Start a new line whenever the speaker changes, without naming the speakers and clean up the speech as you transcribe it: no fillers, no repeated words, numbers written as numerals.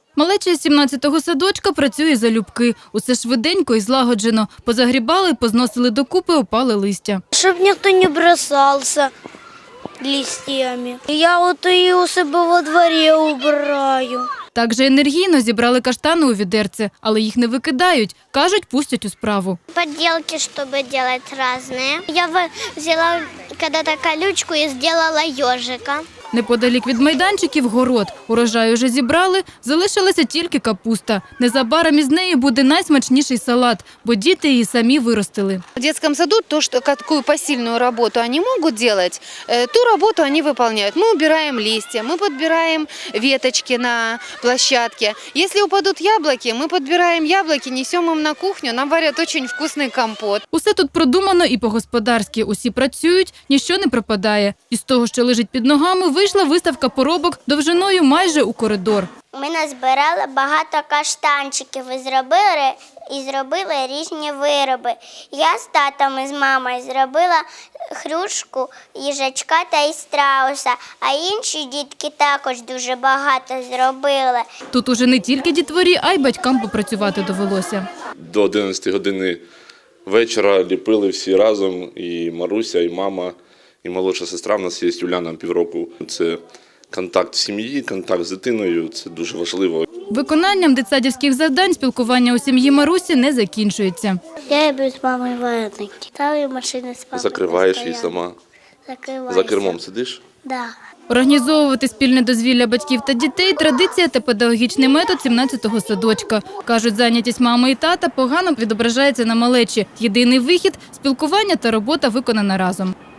Малеча з 17-го садочка працює залюбки. Усе швиденько і злагоджено. Позагрібали, позносили докупи опале листя.
Щоб ніхто не бросався листями. Я от і у себе во дворі убираю.
Так же енергійно зібрали каштани у відерце, але їх не викидають. Кажуть, пустять у справу.
Поделки, чтобы делать разные. Я взяла когда-то колючку и сделала ежика.
Неподалік від майданчиків – город. Урожай уже зібрали, залишилася тільки капуста. Незабаром із неї буде найсмачніший салат, бо діти її самі виростили.
В детском саду какую посильную работу они могут делать, ту работу они выполняют. Мы убираем листья, мы подбираем веточки на площадке. Если упадут яблоки, мы подбираем яблоки, несем им на кухню, нам варят очень вкусный компот.
Усе тут продумано і по-господарськи. Усі працюють, ніщо не пропадає. Із того, що лежить під ногами, вийшла виставка поробок довжиною майже у коридор.
Ми назбирали багато каштанчиків і зробили різні вироби. Я з татом і з мамою зробила хрюшку, їжачка та і страуса, а інші дітки також дуже багато зробили.
Тут уже не тільки дітворі, а й батькам попрацювати довелося.
До 11 години вечора ліпили всі разом, і Маруся, і мама, і молодша сестра. В нас є Юляна, півроку. Це контакт сім'ї, контакт з дитиною, це дуже важливо.
Виконанням дитсадівських завдань спілкування у сім'ї Марусі не закінчується.
Я люблю з мамою вареники. Ставлю машини з папою.
Закриваєш її сама. За кермом сидиш?
Да.
Організовувати спільне дозвілля батьків та дітей – традиція та педагогічний метод 17-го садочка. Кажуть, зайнятість мами і тата погано відображається на малечі. Єдиний вихід – спілкування та робота виконана разом.